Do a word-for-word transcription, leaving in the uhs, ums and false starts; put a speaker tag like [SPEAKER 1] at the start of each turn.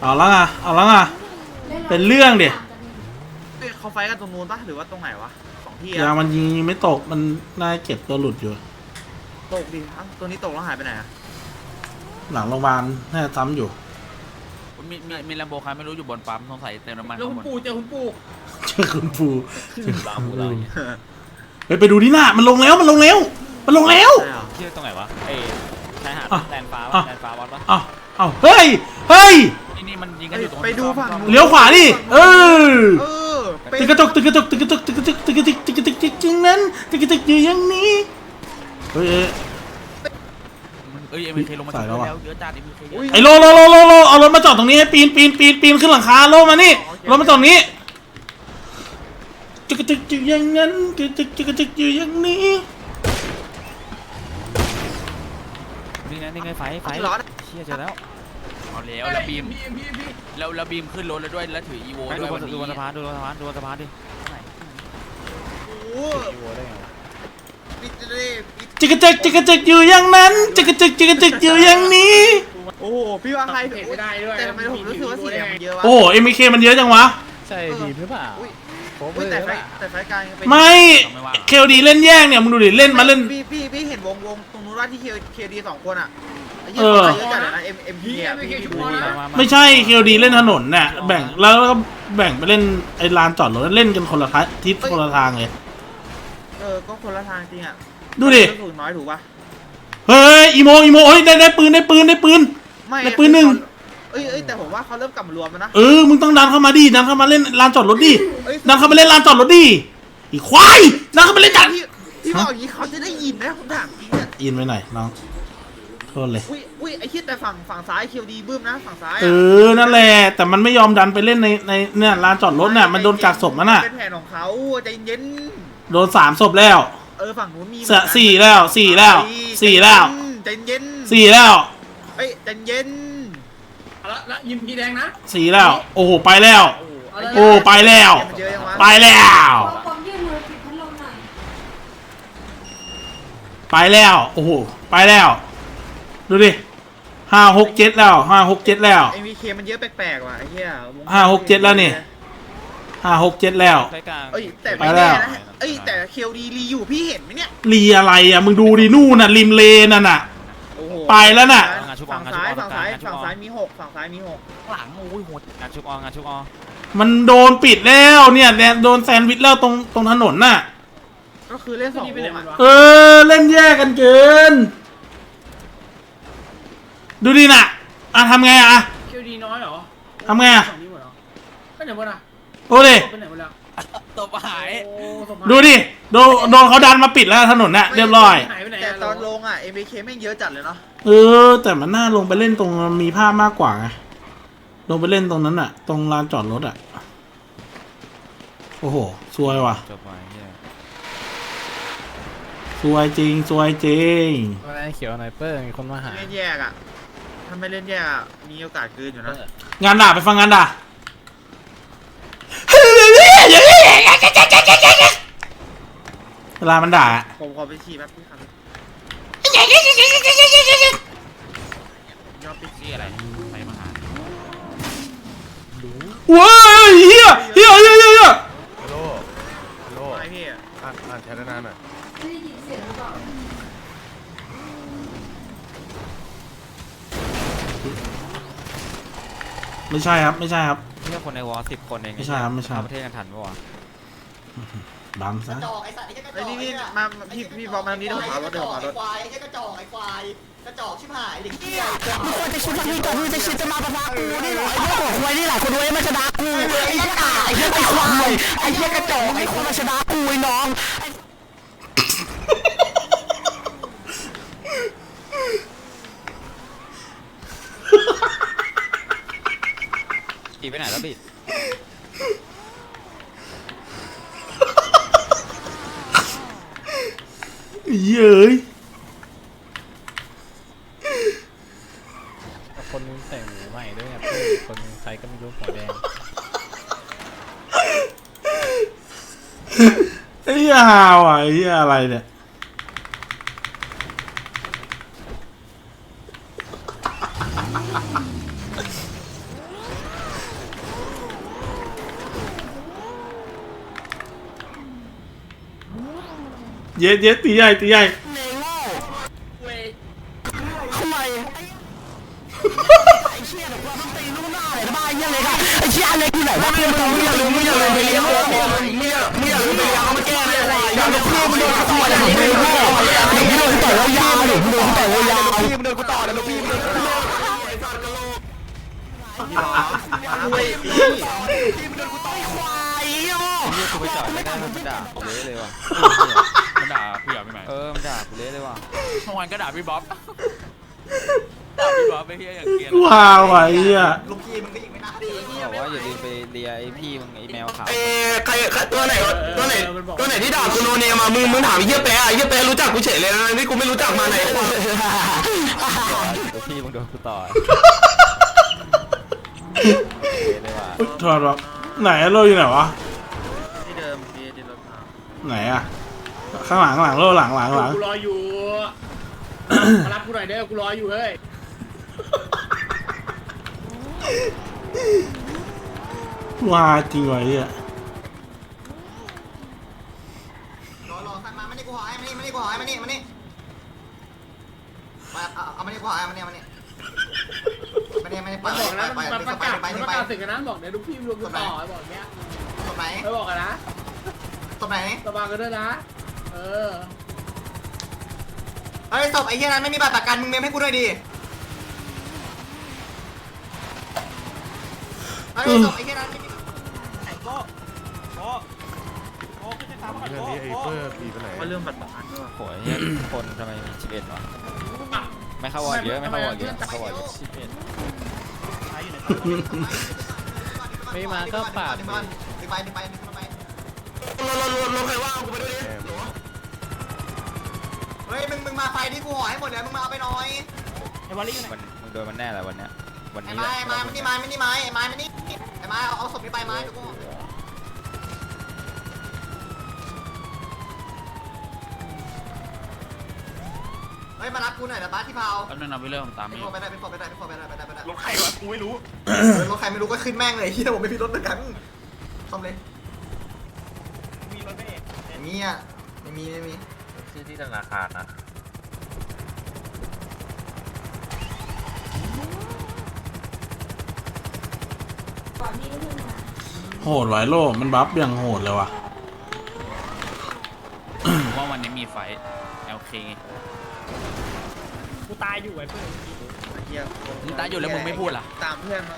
[SPEAKER 1] เอาละไงเอาละไงเป็นเรื่องเดี๋ย
[SPEAKER 2] เขาไฟกันตรงนู้นปะหรือว่าตรงไหนวะสองที่อะ
[SPEAKER 1] ยามันยิงไม่ตกมันน่าเก็บตัวหลุดอยู่
[SPEAKER 2] ตกดิอ้าวตัวนี้ตกแล้วหายไปไหนอะ
[SPEAKER 1] หลังโรงพยาบาลน่าจะซ้ำอยู่
[SPEAKER 3] มีมีมีแลมโบคาร์ไม่รู้อยู่บนปั๊มสงสัยเติมน้ำมัน
[SPEAKER 4] แล้วคุณปู่เจอคุณปู่
[SPEAKER 1] เจอคุณปูเจอ
[SPEAKER 3] บางปูเราเนี่ย
[SPEAKER 1] ไปไปดูที่หน้ามันลงแล้วมันลงแล้วมันลงแล้ว
[SPEAKER 2] ใช่เหรอ
[SPEAKER 3] ที่ตรงไหนวะเอ้ชายหาดแลนฟ้าแลนฟ้าวัดปะ
[SPEAKER 1] อ้าวอ้าวเฮ้ยเฮ้ย
[SPEAKER 3] นี่นี่มันยิงกันอยู่ตรง
[SPEAKER 2] ไปดูฝั่งนู้น
[SPEAKER 1] เลี้ยวขวาดิเออ
[SPEAKER 2] เออเป็น
[SPEAKER 1] ตึกกระจกตึกกระจกตึกกระจกตึกกระจกตึกกระจกตึกกระจกตึกจริงนั้นตึกกระจกอยู่อย่างนี้เฮ้ย
[SPEAKER 3] เอ้ยเอ็มเคลงมาถึงแล้วเยอะจัดเอ็มเคเยอะ
[SPEAKER 1] ไอ้โลโลโลโลโลเอารถมาจอดตรงนี้ให้ปีนปีนปีนปีนขึ้นหลังคาโลมานี่รถมาจอดตรงนี้ตึกกระจกอยู่อย่างนั้นตึกกระจกตึกกระจกอยู่อย่างนี้
[SPEAKER 3] นี่ไงนี่ไงไฟไฟ
[SPEAKER 2] ร้อน
[SPEAKER 3] เชี่ยเจอแล้วเอาแล้วแล้วบีมแล้วแล้วบีมขึ้นรถแล้วด้วยแล้วถืออีโวด้วยวันนี้ดูบนสะพานดูบนสะพานดูบนสะพานดิ
[SPEAKER 2] โอ้โหปิดเลยปิด
[SPEAKER 1] ตึกกระจกตึกกระจกอยู่อย่างนั้นตึกกระจกตึกกระจกอยู่อย่างนี้
[SPEAKER 2] โอ้โหพี่ว่าใคร
[SPEAKER 4] เห็นไม่ได้ด้วย
[SPEAKER 2] แต่ทำไมผมรู้สึกว่าเสียงมันเยอะวะ
[SPEAKER 1] โอ้เอ็มเคมันเยอะจังวะ
[SPEAKER 5] ใช่ดีหรือเปล่า
[SPEAKER 2] อุ้ย
[SPEAKER 5] โค้ง
[SPEAKER 2] อุ้ย
[SPEAKER 5] เล
[SPEAKER 2] แต่
[SPEAKER 5] ย
[SPEAKER 2] ไฟ
[SPEAKER 5] ว่า
[SPEAKER 2] แต่ไฟกลางยังเป็น
[SPEAKER 1] ไม่เคลดีเล่นแย่งเนี่ยมึงดูดิเล่นมาเล่น
[SPEAKER 2] พี่พี่พี่เห็นวงวงตรงนู้นว่าที่เคเคดีสองคนอ่ะไอ้
[SPEAKER 1] เอ
[SPEAKER 2] เหี้ย
[SPEAKER 1] อ
[SPEAKER 2] เขาเยอะจัดเลยนะเอ็มเอ็มพีอ่ะพี่พี่ดูดีนะ
[SPEAKER 1] ไม่ใช่เคลดีเล่นถนนน่ะแบ่งแล้วก็แบ่งไปเล่นไอ้ลานจอดรถเล่นกันคนละทิศคนละทางเลย
[SPEAKER 2] เออก็คนละทางจริงอ่ะ
[SPEAKER 1] ดูดิ
[SPEAKER 2] ถูกน้อยถูกป่ะ
[SPEAKER 1] เฮ้ยอีโมอีโมเฮ้ยได้ได้ปืนได้ปืนได้ปืน
[SPEAKER 2] ไม่
[SPEAKER 1] ในปืนหนึ่ง
[SPEAKER 2] เอ้ยเอ้ยแต่ผมว่าเขาเริ่มกลับมารวมแล้วนะ
[SPEAKER 1] เออมึงต้องดันเข้ามาดิดันเข้ามาเล่นลานจอดรถดิ
[SPEAKER 2] เอ้ย
[SPEAKER 1] ดันเข้ามาเล่นลานจอดรถดิอีควายดันเข้ามาเล่นจัด
[SPEAKER 2] พี่พี่บอกอย่างนี้เขาจะได้ยินนะผมถามจริงเนี่ย
[SPEAKER 1] อินไปไหนน้องโทษเลย
[SPEAKER 2] อุ้ยอุ้ยไอ้คิดแต่ฝั่งฝั่งซ้ายคิวดีบึ้มนะฝั่งซ้าย
[SPEAKER 1] เออนั่นแหละแต่มันไม่ยอมดันไปเล่นในในเนี่ยลานจอดรถน่ะมันโดนกักศพมันน่ะ
[SPEAKER 2] เป็นแผนของเขาใจเย็น
[SPEAKER 1] โดนสามศพแล้ว
[SPEAKER 2] เออฝั่งนู้นมี
[SPEAKER 1] เสสี่แล้วสี่แล้วสี่แล้ว
[SPEAKER 2] ใจเย็น
[SPEAKER 1] สี่แล้ว
[SPEAKER 2] เอ้ยใจเย็น
[SPEAKER 4] แล้วแล้วยิมพีแดงนะ
[SPEAKER 1] สี่แล้วโอ้โหไปแล้ว
[SPEAKER 2] โอ้
[SPEAKER 1] โอ้ไปแล้ว
[SPEAKER 2] มันเยอะยังวะ
[SPEAKER 1] ไปแล้ว
[SPEAKER 6] ผมยื่นมือปิดพัดลมหน่อย
[SPEAKER 1] ไปแล้วโอ้โหไปแล้วดูดิห้าหกเจ็ดแล้วห้าหกเจ็ดแล้ว
[SPEAKER 2] เอ็มวีเคมันเยอะแปลกๆว่ะไอ้เหี้ยวง
[SPEAKER 1] ห้าหกเจ็ดแล้วนี่ ห้าหกเจ็ดแล้ว
[SPEAKER 3] ไฟกลาง
[SPEAKER 2] เอ้ยแต่
[SPEAKER 1] ไป
[SPEAKER 2] ไม่
[SPEAKER 1] แล้
[SPEAKER 2] แน่
[SPEAKER 1] ว
[SPEAKER 2] นะเอ้ยแต่คิวดีรีอยู่พี่เห็นไหมเนี่ย
[SPEAKER 1] รีอะไรอ่ะมึงดูดินู่นน่ะริมเลนน่ะน่ะ
[SPEAKER 2] โอ้โห
[SPEAKER 1] ไปแล้วน่ะ
[SPEAKER 2] ฝั่งซ้ายฝั่งซ้ายฝั่งซ้ายมีหกฝั่งซ้ายมีหก
[SPEAKER 3] หลังโอ้ยโหดงานชุบอองานชุบออ
[SPEAKER 1] มันโดนปิดแล้วเนี่ยเนี่ยโดนแซนด์วิชแล้วตรงตรงถนนน่ะ
[SPEAKER 2] ก็คือเล่นสองวงอะ
[SPEAKER 1] เออเล่นแย่กันเกิน ดูดิน่ะอ่ะทำไงอ่ะ
[SPEAKER 4] คิวดีน้อยเหรอ
[SPEAKER 1] ทำไงอ่ะ
[SPEAKER 4] สองนี้หมดเหรอไปไหนหมดอ่ะ
[SPEAKER 1] โอ้ดิ
[SPEAKER 4] ไปไหนหมดแล้ว
[SPEAKER 3] ตบหาย
[SPEAKER 4] โอ้สมภาร
[SPEAKER 1] ดูดิโดนโดนเขาดันมาปิดแล้วถนนน่ะเรียบร้อย
[SPEAKER 4] หายไปไหน
[SPEAKER 2] แต่
[SPEAKER 4] อะ
[SPEAKER 2] ตอนลงอ่ะ เอ็ม บี เค แม่งเยอะจัดเลยเนาะ
[SPEAKER 1] เออแต่มันน่าลงไปเล่นตรงมีภาพมากกว่าไงลงไปเล่นตรงนั้นน่ะ ตรงลานจอดรถอ่ะโอ้โหซวยว่ะ
[SPEAKER 3] จบไปเนี่ย
[SPEAKER 1] ซวยจริงซวยจริง
[SPEAKER 5] อะไรเขียวไนเปอร์มีคนมาหา
[SPEAKER 2] เล่นแยกอ่ะ ถ้าไม่เล่นแยกอะมีโอกาสเกินอยู่นะ
[SPEAKER 1] งานด่าไปฟังงานด่าเวลามันด่า
[SPEAKER 2] ผมขอไปฉี่แป๊บพี่ครับยอดปิด
[SPEAKER 3] ที่อะไรไฟมาหา
[SPEAKER 1] ว้ายเฮียเฮียเฮียเฮีย
[SPEAKER 7] ฮัลโหลฮัลโหล
[SPEAKER 2] ไอพี่อะ
[SPEAKER 7] อ่านอ่านแชทนานๆหน่อย
[SPEAKER 6] ไม่ได้ยินเสียงหรือเปล่า
[SPEAKER 1] ไม่ใช่ครับไม่ใช่ครับ
[SPEAKER 3] เพื่อคนในวอลสิบคนเอง
[SPEAKER 1] ไม่ใช่ครับไม่ใช่
[SPEAKER 3] ประเทศกันทันปะวะ
[SPEAKER 1] บังซะ
[SPEAKER 8] จอกไอ้สัตว์ไอ้แค่กระจ
[SPEAKER 2] ไอ้
[SPEAKER 8] อก
[SPEAKER 2] นี่นี่มาพี่พี่บอกมาทางนี้เดี๋ยวผมเอารถเดี๋ยวผมเอารถ
[SPEAKER 8] ควายไอ้แค่กระจอกไอ้ควายกระจอกชิบหายเด็กเหี้ย
[SPEAKER 9] มึงควรจะคิดว่าพี่ก่อนมึงจะคิดจะมาประพากูนี่เหรอไอ้เหี้ยหัวควายนี่แหละคนรวยมาชนะกูไอ้เหี้ยกาไอ้เหี้ยไอ้ควายไอ้เหี้ยกระจอกไอ้ควายมาชนะกูไอ้น้องไอ้
[SPEAKER 3] อีไปไหนแล้วบิด
[SPEAKER 1] เย้ย
[SPEAKER 5] คนนึงใส่หมูใหม่ด้วยเนี่ยเพื่อนคนนึงใครก็ไม่รู้หัวแดง
[SPEAKER 1] ไอ้เหี้ยฮาวอ่ะไอ้เหี้ยอะไรเนี่ยเย็ดเย็ดตีใหญ่ตีใหญ่
[SPEAKER 9] เนโง่
[SPEAKER 4] เว้ย
[SPEAKER 9] ทำไมไอ้เชี่ยเดี๋ยวกูต้องตีลูกหน้าเลยนะบ้าไอ้เหี้ยเล็กอะไอ้เชี่ยเล็กอยู่ไหนวะเพื่อนมึงอย่าลืมมึงอย่าลืมไปเลี้ยงมึงมึงอย่ามึงอย่าลืมไปเลี้ยงเอามาแก้เลยอย่าลืมเพื่อนมึงโดนกูต่อยเลยมึงโง่เด็กที่โดนกูต่อยยาวเด็กที่โดนกูต่อยยาวพี่มึงโดนกูต่อยแล้วพี่มึงโดนกูต่อยพี่มึงโดนกูต่อยควายโย่
[SPEAKER 5] เฮียกูไปจอดไม่ได้มันด่ากูเละเลยว่ะ
[SPEAKER 3] มันด่าพี่เหรอพี่ใหม่
[SPEAKER 5] เออมันด่ากูเละเลยว่ะ
[SPEAKER 3] เมื่อวานก็ด่าพี่บ๊อบด่าพี่บ๊อบไปเฮียอย่างเกลียด
[SPEAKER 1] ว้าวไอ้เหี้ย
[SPEAKER 8] ลูกพี่มึงก็ยิงไม่น่าดี
[SPEAKER 5] บอกว่าอย่าลืมไปเลียไอ้พี่มึงไอ้แมวขาว
[SPEAKER 9] เอ้ใครใครตัวไหนตัวไหนตัวไหนที่ด่ากูโนเนมามึงมึงถามไอ้เหี้ยแปะไอ้เหี้ยแปะรู้จักกูเฉยเลยนะนี่กูไม่รู้จักมาไหน
[SPEAKER 5] ตัวพี่มึงโดนกูต่อยเละเลยว่ะ
[SPEAKER 1] อุ๊ยถอดวะไหนอะโลอยู่ไหนวะ
[SPEAKER 2] ที่เดิมที่ที่รถพา
[SPEAKER 1] ไหนอะข้างหลังข้างหลังโลหลังหลังหลัง
[SPEAKER 4] กูรออยู่มารับกูหน่อยเด้อกูรออยู่เฮ้ย
[SPEAKER 1] ว้าจริงวะไอ้เหี้ย
[SPEAKER 8] รอรอสั่งมามานี่กูหอยมานี่มานี่กูหอยมานี่มานี่มาเอาเอามานี่กูหอยมานี่มานี่มานี่มานี่ไป
[SPEAKER 4] มันบอกนะ
[SPEAKER 8] ไป
[SPEAKER 4] มัน
[SPEAKER 8] ไป
[SPEAKER 4] ประ
[SPEAKER 8] ไป
[SPEAKER 4] กาศ
[SPEAKER 8] ไป
[SPEAKER 4] มัน
[SPEAKER 8] ไป
[SPEAKER 4] ประกาศศึกกันนะบอกเดี๋ยวลูกพี่รวมกันต่อไอ้บอกเนี้ย
[SPEAKER 8] ตบไหน
[SPEAKER 4] ไม่บอกกันนะ
[SPEAKER 8] ตบไหน
[SPEAKER 4] ระวังกันด้วยนะเออ
[SPEAKER 8] เฮ้ยตบไอ้เหี้ยนั้นไม่มีบัตรประกันมึงเมมให้กูด้วยดิเฮ้ยตบไอ้เหี้ยนั้นไม่มี
[SPEAKER 7] เรื่องนี้ไอ้เปิ้ลปีไปไหน
[SPEAKER 2] ว่าเรื่องบัตรประกันด้วย
[SPEAKER 5] โหยเนี่ยคนทำไมมีสิบเอ็ดวะไม่เข้าวอร์ดเยอะไม่เข้าวอร์ดเยอะไม่เข้าวอร์ดเยอะสิบเอ็ด ไม่มาก็ปาด
[SPEAKER 8] ดึงไปดึงไปดึงไปดึงไป
[SPEAKER 9] รถรถรถรถใครว่างกูไปด้วยดิ
[SPEAKER 8] เฮ้ยมึงมึงมาไฟที่กูห่อให้หมดเลยมึงมาเอาไปหน่อย
[SPEAKER 5] มันมึงโดนมันแน่แหละวันเนี้ยวัน
[SPEAKER 8] ไอ้
[SPEAKER 5] นี้
[SPEAKER 8] ไม้ไอ้ไม้ไม่นี่ไม้ไม่นี่ไม้ไอ้ไม้ไม่นี่ไอ้ไม้เอาเอาศพนี้ไปไม้ทุกคนเฮ้ยมารับกูหน่อยนะบ้าที่เผา
[SPEAKER 3] แป๊บนึงนะพี่เรื่องตาม
[SPEAKER 8] เป็น
[SPEAKER 3] นี่
[SPEAKER 8] พอไปได้เป็นพอไปได้เป็นพอไปได้ไปได้ไปได้
[SPEAKER 2] รถใครวะกูไม่รู้
[SPEAKER 8] รถใครไม่รู้ก็ขึ้นแม่งเลยที่ผมไม่มีรถเหมือนกันทำเลย
[SPEAKER 2] มีรถไม่เอก
[SPEAKER 8] ไม่มีอ่ะไม่มีไม่มี
[SPEAKER 2] ชื่อที่ธนาคารนะ
[SPEAKER 6] ก่อนที่จะขึ้นมา
[SPEAKER 1] โหดไว้โลมันบัฟอย่างโหดเลยว่ะ
[SPEAKER 3] ว่าวันนี้มีไฟโอเค
[SPEAKER 4] กูตายอยู่ไอ้เพื่อน
[SPEAKER 2] เฮีย
[SPEAKER 3] มึงตายอยู่แล้วมึงไม่พูดล่ะ
[SPEAKER 2] ตามเพื่อนมา